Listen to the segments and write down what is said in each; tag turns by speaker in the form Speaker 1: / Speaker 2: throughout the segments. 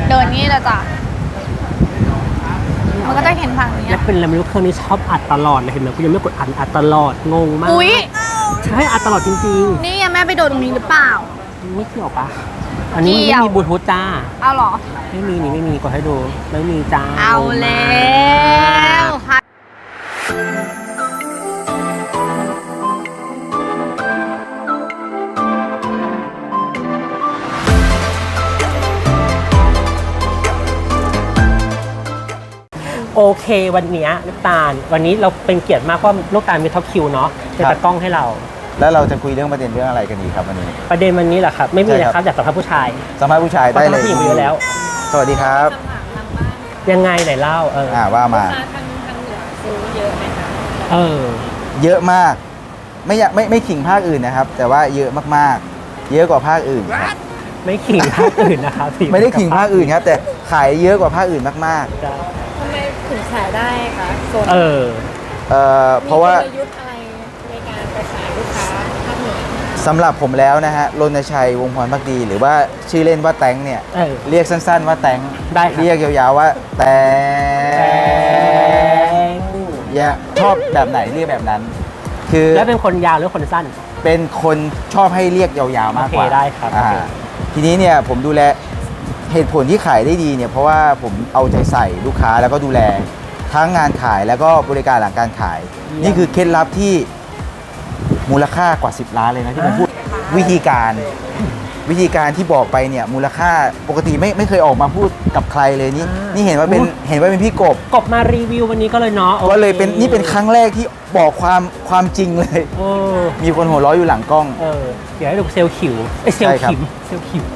Speaker 1: เดินงี้เลยจ้ะมันก็จะเห็นฝั่งนี้
Speaker 2: แล้วเป็นอะไรไม่รู้เครื่องนี้ชอบอัดตลอดเลยเห็นไหมกูยังไม่กดอัดตลอดงงมาก
Speaker 1: อุ๊ย
Speaker 2: ใช่อัดตลอดจริง
Speaker 1: นี่แม่ไปโดนตรงนี้หรือเปล่า
Speaker 2: ๆไม่เกี่ยวปะอันนี้
Speaker 1: เกี่
Speaker 2: ไม่
Speaker 1: ยว
Speaker 2: มีบลูทูธจ้า
Speaker 1: เอาเหรอ
Speaker 2: ไม่มีนี่ไม่มีกดให้ดูไม่มีจ้า
Speaker 1: เอาแล้วค่ะ
Speaker 2: โอเควันนี้ลูกตาลวันนี้เราเป็นเกียรติมากเพราะลูกตาลมีท็อปคิวเนาะเป็นตากล้องให้เรา
Speaker 3: แล้วเราจะคุยเรื่องประเด็นเรื่องอะไรกันดีครับวันนี้
Speaker 2: ประเด็นวันนี้แหละครับไม่มี
Speaker 3: ใช่
Speaker 2: นะ
Speaker 3: ครับ
Speaker 2: ครับอยากสัมภาษณ์ผู้ชาย
Speaker 3: สัมภาษณ์ผู้ชายได้เลย
Speaker 2: พราะผู้หญิงมีอยู่แล้ว
Speaker 3: สวัสดีครับ
Speaker 2: ยังไงไหนเล่า
Speaker 3: ว่ามา
Speaker 2: เออ
Speaker 3: เยอะมากไม่ขิงภาคอื่นนะครับ แต่ว่าเยอะมากๆ เยอะกว่าภาคอื่นครับ
Speaker 2: ไม่ขิงภาคอื่นนะครับ
Speaker 3: ไม่ได้ขิงภาคอื่นครับ แต่ขายเยอะกว่าภาคอื่นมาก
Speaker 2: จ้ะ
Speaker 4: ทำไมถึงขายได้คะโซน
Speaker 2: เออ
Speaker 3: ๆเพราะว่า
Speaker 4: มีกลยุทธ์อะไรในการไปขายลูกค้าภาคเหนือ
Speaker 3: สำหรับผมแล้วนะฮะรณชัยวงศ์พรภักดี หรือว่าชื่อเล่นว่าแตงเนี่ย
Speaker 2: เออ
Speaker 3: เรียกสั้นๆว่าแตง
Speaker 2: ได้ครับ
Speaker 3: เรียกยาวๆว่าแตงอย่าชอบแบบไหนเรียกแบบนั้น คือ
Speaker 2: แล้วเป็นคนยาวหรือคนสั้น
Speaker 3: เป็นคนชอบให้เรียกยาวๆมากกว่า
Speaker 2: โอเคได้ครับ
Speaker 3: อ่า
Speaker 2: โอเค
Speaker 3: ทีนี้เนี่ยผมดูแลเหตุผลที่ขายได้ดีเนี่ยเพราะว่าผมเอาใจใส่ลูกค้าแล้วก็ดูแลทั้งงานขายแล้วก็บริการหลังการขาย นี่คือเคล็ดลับที่มูลค่ากว่า10 ล้านเลยนะที่ผมพูดวิธีการที่บอกไปเนี่ยมูลค่าปกติไม่เคยออกมาพูดกับใครเลยนี่เห็นว่าเป็นพี่กบ
Speaker 2: กบมารีวิววันนี้ก็เลยเนาะโอค
Speaker 3: ก็เลยเป็นนี่เป็นครั้งแรกที่บอกความจริงเลย
Speaker 2: โอ้
Speaker 3: มีคนหัวเราะอยู่หลังกล้อง
Speaker 2: เดี๋ยวให้ดูเซลล์ขิวเซล
Speaker 3: ใช่
Speaker 2: ล์
Speaker 3: ครับ
Speaker 2: ขิมเซลล์ขิว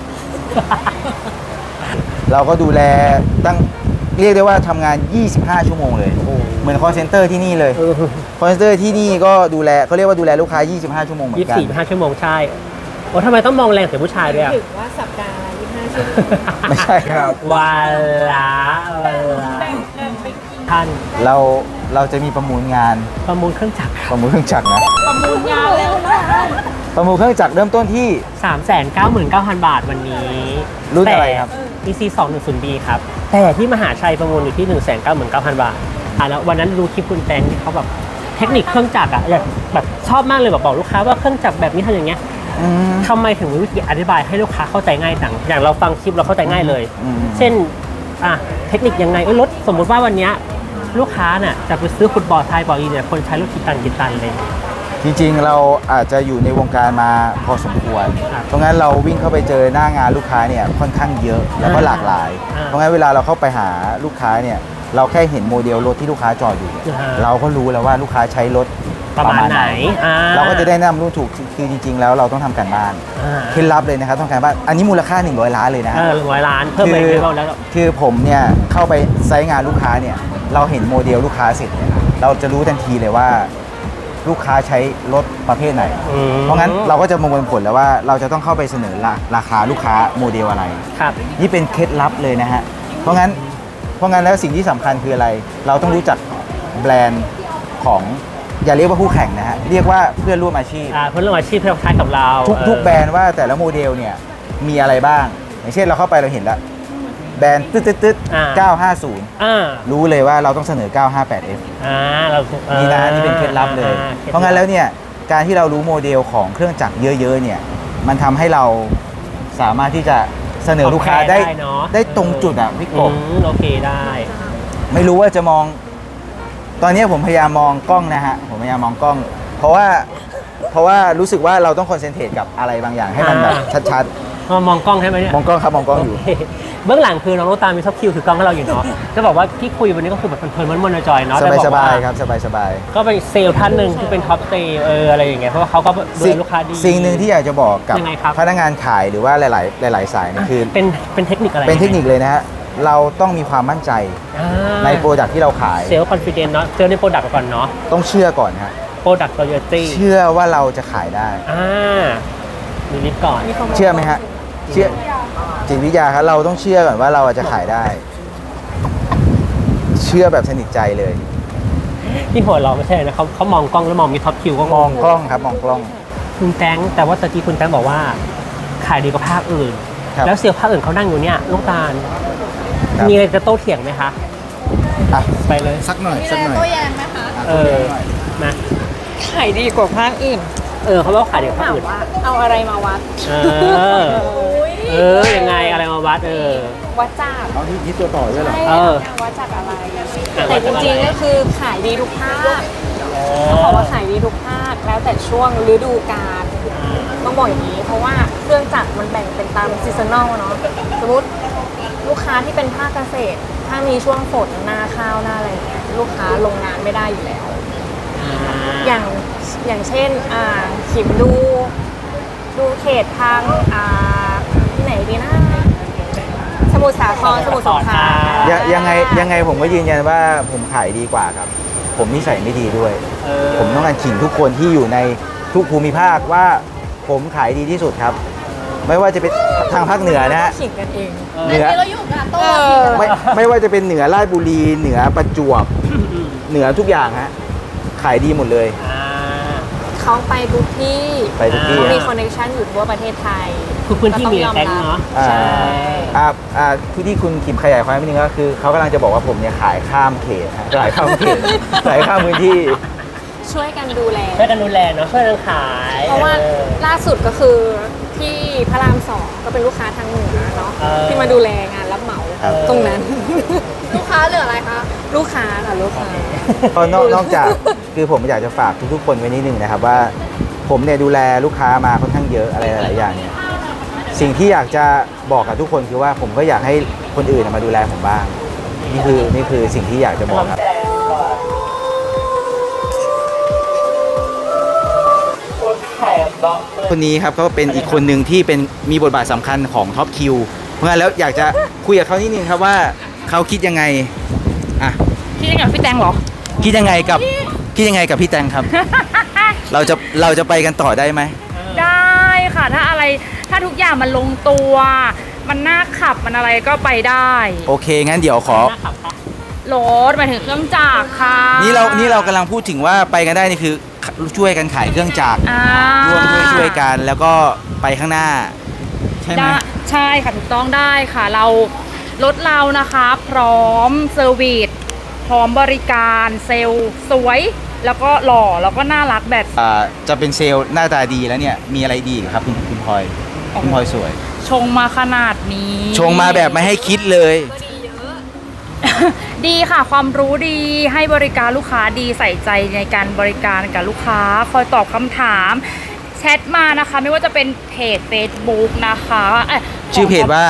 Speaker 3: เราก็ดูแลเรียกได้ว่าทำงาน 25 ชั่วโมงเลย
Speaker 2: โอ้
Speaker 3: เหมือน call center ที่นี่เลย
Speaker 2: เออ
Speaker 3: call center ที่นี่ก็ดูแลเขาเรียกว่าดูแลลูกค้า 25 ชั่วโมงเหมือนกัน
Speaker 2: 24-25 ชั่วโมงใช่โอ้ทำไมต้องมองแรงแต่ผู้ชายด้วยอ่ะ
Speaker 4: ถือว่าสัปดาห์ละ25 ชั่วโมง
Speaker 3: ไม่ใช่ครับ
Speaker 2: วันละท่าน
Speaker 3: เราจะมีประมูลงาน
Speaker 2: ประมูลเครื่องจักร
Speaker 3: ประมูลเครื่องจักรนะ
Speaker 4: ประมูลงานแล้วนะ
Speaker 3: ประมูลเครื่องจักรเริ่มต้นที่
Speaker 2: 399,000 บาทวันนี้
Speaker 3: รุ่นอะไรครับ
Speaker 2: แต่ EC 210B ครับ แต่ที่มหาชัยประมูลอยู่ที่ 199,000 บาทแล้ววันนั้นดูคลิปคุณแตงที่เขาแบบเทคนิคเครื่องจักรอยากแบบชอบมากเลยแบบบอกลูกค้าว่าเครื่องจักรแบบนี้ทำอย่างเงี้ย
Speaker 3: อืม
Speaker 2: ทำไมถึงมีวิธีอธิบายให้ลูกค้าเข้าใจง่ายจังอย่างเราฟังคลิปเราเข้าใจง่ายเลย
Speaker 3: อืม
Speaker 2: เช่นเทคนิคยังไงรถสมมุติว่าวันเนี้ยลูกค้าน่ะจะไปซื้อฟุตบอลไทยบอลอีเนี่ยคนใช้รถกี่ตันเลย
Speaker 3: จริงๆเราอาจจะอยู่ในวงการมาพอสมควร
Speaker 2: ครับ
Speaker 3: เพราะงั้นเราวิ่งเข้าไปเจอหน้างานลูกค้าเนี่ยค่อนข้างเยอะแล้วก็หลากหลาย
Speaker 2: อ่า
Speaker 3: เพราะงั้นเวลาเราเข้าไปหาลูกค้าเนี่ยเราแค่เห็นโมเดลรถที่ลูกค้าจอดอยู่
Speaker 2: อ่า
Speaker 3: เราก็รู้แล้วว่าลูกค้าใช้รถ
Speaker 2: ประมาณไหน
Speaker 3: เราก็จะได้แนะนำรุ่นถูกคือจริง ๆ แล้วเราต้องทำการบ้านเคล็ดลับเลยนะครับต้องการบ้านอันนี้มูลค่า100 ล้านเลยนะ
Speaker 2: 100 ล้านเพิ่มไปเรื่อยๆแล้ว
Speaker 3: คือผมเนี่ยเข้าไปไซต์งานลูกค้าเนี่ยเราเห็นโมเดลลูกค้าเสร็จเนี่ยเราจะรู้ทันทีเลยว่าลูกค้าใช้รถประเภทไหน เพราะงั้นเราก็จะมองผลแล้วว่าเราจะต้องเข้าไปเสนอราคาลูกค้าโมเดลอะไร
Speaker 2: ครับ
Speaker 3: นี่เป็นเคล็ดลับเลยนะฮะเพราะงั้นแล้วสิ่งที่สำคัญคืออะไร เราต้องรู้จักแบรนด์ของอย่าเรียกว่าคู่แข่งนะฮะเรียกว่าเพื่อนร่วมอาชีพ
Speaker 2: เพื่อนร่วมอาชีพเพื่อนใช้กับเรา
Speaker 3: ทุกแบรนด์ว่าแต่ละโมเดลเนี่ยมีอะไรบ้างอย่างเช่นเราเข้าไปเราเห็นแล้วแบรนด์ตึ๊ด950 รู้เลยว่าเราต้องเสนอ 958F
Speaker 2: เรา
Speaker 3: นี่นะนี่เป็นเคล็ดลับเลย เพราะงั้นแล้วเนี่ยการที่เรารู้โมเดลของเครื่องจักรเยอะๆเนี่ยมันทำให้เราสามารถที่จะเสนอลูกค้าได้ตรงจุดอ่ะพี่กบ
Speaker 2: โอเคได้
Speaker 3: ไม่รู้ว่าจะมอง ตอนนี้ผมพยายามมองกล้องนะฮะผมพยายามมองกล้อง เพราะว่ารู้สึกว่าเราต้องคอนเซนเทรตกับอะไรบางอย่างให้มันแบบชัด
Speaker 2: มองกล้องใช่ไหมเนี่ย
Speaker 3: ๆมองกล้องครับมองกล้องอยู่
Speaker 2: เบื้องหลังคือน้องลูกตาลมีท็อปคิวถือกล้องให้เราอยู่เนาะจะบอกว่าที่คุยวันนี้ก็คือแบบเพลินๆมันๆจอยๆเนาะ
Speaker 3: สบายๆครับสบาย
Speaker 2: ก็เป็นเซลล์ท่านหนึ่งที่เป็นท็อปเซลล์อะไรอย่างเงี้ยเพราะว่าเขาก็ดูแลลูกค้าดี
Speaker 3: สิ่งหนึ่งที่อยากจะบอกกับ
Speaker 2: ยังไงครับ
Speaker 3: พนักงานขายหรือว่าหลายๆสายเนี่ยคือ
Speaker 2: เป็นเทคนิคอะไร
Speaker 3: เป็นเทคนิคเลยนะฮะเราต้องมีความมั่นใจในโปรดักที่เราขาย
Speaker 2: เซลล์คอนฟิเดนซ์เนาะเซลล์ในโปรดักต์ก่อนเนาะ
Speaker 3: ต้องเชื่อก่อนฮะ
Speaker 2: โปรดักต์โรยตี้
Speaker 3: เชื่อว่าเราจะขายได้
Speaker 2: มีลิฟต์ก่อน
Speaker 3: เชื่อไหมฮะเชื่อจิตวิทยาครับเราต้องเชื่อก่อนว่าเราจะขายได้ เชื่อแบบสนิทใจเลย
Speaker 2: ที่หัวเราะไม่ใช่นะเขามองกล้องแล้วมองมีท็อปคิวก็
Speaker 3: มองกล้องครับมองกล้อง
Speaker 2: คุณแตงแต่ว่าตะกี้คุณแตงบอกว่าขายดีกว่าภาคอื่น
Speaker 3: ครับ
Speaker 2: แล้วเซลล์ภาคอื่นเขานั่งอยู่เนี่ยลูกตาล
Speaker 3: ครับ
Speaker 2: มีอะไรจะโต้เถียงไหมคะ
Speaker 3: อ่ะ
Speaker 2: ไปเลย
Speaker 3: สักหน่อย
Speaker 1: มี
Speaker 3: สัก
Speaker 1: อะไร
Speaker 3: หน่อย
Speaker 1: โต้แย้งไหมคะ
Speaker 2: เออมา
Speaker 4: ขายดีกว่าภาคอื่น
Speaker 2: เขาบอกขายเดี๋ยวเขา
Speaker 4: ถาม
Speaker 2: อื่น
Speaker 4: ว่าเอาอะไรมาวัด
Speaker 2: ยังไงอะไรมาวัด
Speaker 4: วัดจาก
Speaker 3: เอาที่ตัวต่อด้วยเหรอ
Speaker 4: ใช่
Speaker 2: เออ
Speaker 4: วัดจากอะไร
Speaker 2: อ่ะ
Speaker 4: แต่จริงๆก็คือขายดีทุกภาคเขาบอกว่าขายดีทุกภาคแล้วแต่ช่วงฤดูกาลต้องบอกอย่างนี้ เพราะว่าเครื่องจักรมันแบ่งเป็นตามซีซันอลเนาะสมมติลูกค้าที่เป็นภาคเกษตร ถ้ามีช่วงฝนหน้าข้าวหน้าอะไรอย่างเงี้ยลูกค้าลงงานไม่ได้อยู่แล้ว อย่างเช่นขิมดูเขตทางที่ไหนดีนะสมุทรสาครสมุทรสงคราม
Speaker 3: ยังไงผมก็ยืนยันว่าผมขายดีกว่าครับ ผมนิสัยไม่ดีด้วย ผมต้องการขิงทุกคนที่อยู่ในทุกภูมิภาคว่าผมขายดีที่สุดครับ ไม่ว่าจะเป็นทางภาคเหนือนะฮะ
Speaker 4: ขิงกันเอง
Speaker 3: เหนือ
Speaker 1: เราอยู่กับโต้
Speaker 3: ไม่ว่าจะเป็นเหนือราชบุรีเหนือประจวบเหนือทุกอย่างฮะขายดีหมดเลย
Speaker 4: เขาไปทุกที่
Speaker 3: ไปทุกที่
Speaker 4: เขามี
Speaker 3: ฮะ
Speaker 4: คอนเนคชั่นอยู่ทั่วประเทศไทย
Speaker 2: คือพื้นที่มีแท็กเนาะ
Speaker 3: อ่า
Speaker 4: ใช่
Speaker 3: ที่คุณขิมขยายความนิดนึงก็คือเขากำลังจะบอกว่าผมเนี่ยขายข้ามเขตฮะขายข้ามเขตขายข้ามพื้นที่
Speaker 4: ช่วยกันดูแล
Speaker 2: ช่วยกันดูแลเนาะช่วยกันขาย
Speaker 4: เพราะว่าล่าสุดก็คือที่พระราม2ก็เป็นลูกค้าทางเหนือเนาะที่มาดูแลงานรับเหมา
Speaker 3: ครับ
Speaker 4: ตรงนั้น
Speaker 1: ลูกค้าเหลืออะไรคะ
Speaker 4: ลูกค้าค่ะลูกค้า
Speaker 3: ก็นอกจากคือผมอยากจะฝากทุกๆคนไว้นิดนึงนะครับว่าผมเนี่ยดูแลลูกค้ามาค่อนข้างเยอะอะไรหลายๆอย่างเนี่ยสิ่งที่อยากจะบอกกับทุกคนคือว่าผมก็อยากให้คนอื่นมาดูแลผมบ้างนี่คือสิ่งที่อยากจะบอกครับคนนี้ครับก็เป็นอีกคนหนึ่งที่เป็นมีบทบาทสำคัญของท็อปคิวเพราะงั้นแล้วอยากจะคุยกับเขานิดนึงครับว่าเขาคิดยังไงอ่ะ
Speaker 1: พี่ยังไงพี่แตงเหรอ
Speaker 3: คิดยังไงกับพี่แตงครับ เราจะไปกันต่อได้ไหม
Speaker 1: ได้ค่ะ ถ้าทุกอย่างมันลงตัว มันน่าขับมันอะไรก็ไปได้
Speaker 3: โอเคงั้นเดี๋ยวขอ
Speaker 1: รถหมายถึงเครื่องจักรค่ะ
Speaker 3: นี่เรากำลังพูดถึงว่าไปกันได้นี่คือช่วยกันขายเครื่องจักร
Speaker 1: อ่า
Speaker 3: ร่วมด้วยช่วยกันแล้วก็ไปข้างหน้า ใช่ไหม
Speaker 1: ได้ใช่ค่ะถูกต้องได้ค่ะรถเรานะคะพร้อมเซอร์วิสพร้อมบริการเซลล์สวย แล้วก็หล่อแล้วก็น่ารักแบบ
Speaker 3: จะเป็นเซลล์หน้าตาดีแล้วเนี่ยมีอะไรดีอีกครับคุณพลอยคุณพลอยสวย
Speaker 1: ชงมาขนาดนี้
Speaker 3: ชงมาแบบไม่ให้คิดเลย
Speaker 1: ดีค่ะความรู้ดีให้บริการลูกค้าดีใส่ใจในการบริการกับลูกค้าคอยตอบคำถามแชทมานะคะไม่ว่าจะเป็นเพจ Facebook นะคะ
Speaker 3: ชื่อเพจว่า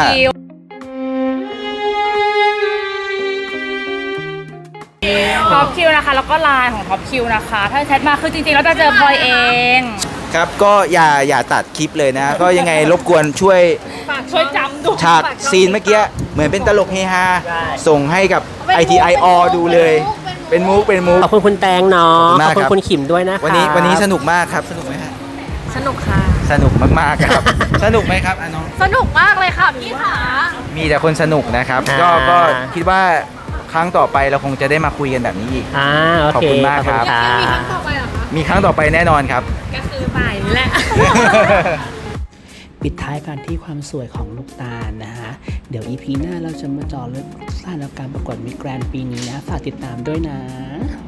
Speaker 1: ท็อปคิวนะคะแล้วก็ไลน์ของท็อปคิวนะคะ ถ้าแชทมาคือจริงๆแล้วจะเจอพลอยเอง
Speaker 3: ครับก็อย่าตัดคลิปเลยนะ ก็ยังไงรบกวนช่วย
Speaker 1: ฝากช่วยจำด้วย
Speaker 3: ฉากซีนเมื่อกี้เหมือนเป็นตลกเฮฮาส่งให้กับ ITIO ดูเลย เป็นมุก
Speaker 2: ขอบคุณคุณแตงเนาะ
Speaker 3: ขอบคุณมาก
Speaker 2: ขอบ
Speaker 3: ครับ
Speaker 2: คุณคุณขิมด้วยนะคะ
Speaker 3: วันนี้สนุกมากครับสนุกไหมฮะ
Speaker 4: สนุกค่ะ
Speaker 3: สนุกมากๆครับ สนุกไหมครับน้อง
Speaker 1: สนุกมากเลยค่ะพี่ขา
Speaker 3: มีแต่คนสนุกนะครับ ก็คิดว่าครั้งต่อไปเราคงจะได้มาคุยกันแบบนี้อีก
Speaker 2: โอเค
Speaker 3: ขอบคุณมากครับ
Speaker 2: ขอณ
Speaker 1: มีครั้งต่อไปเหรอคะ
Speaker 3: มีครั้งต่อไปแน่นอนครับ
Speaker 1: ก็คือบ่ายนี่แหละ
Speaker 5: ปิดท้ายกันที่ความสวยของลูกตาลนะฮะ เดี๋ยว EP หน้าเราจะมาเจาะลึกสถานการณ์ประกวดมิสแกรนด์ปีนี้นะ ฝากติดตามด้วยนะ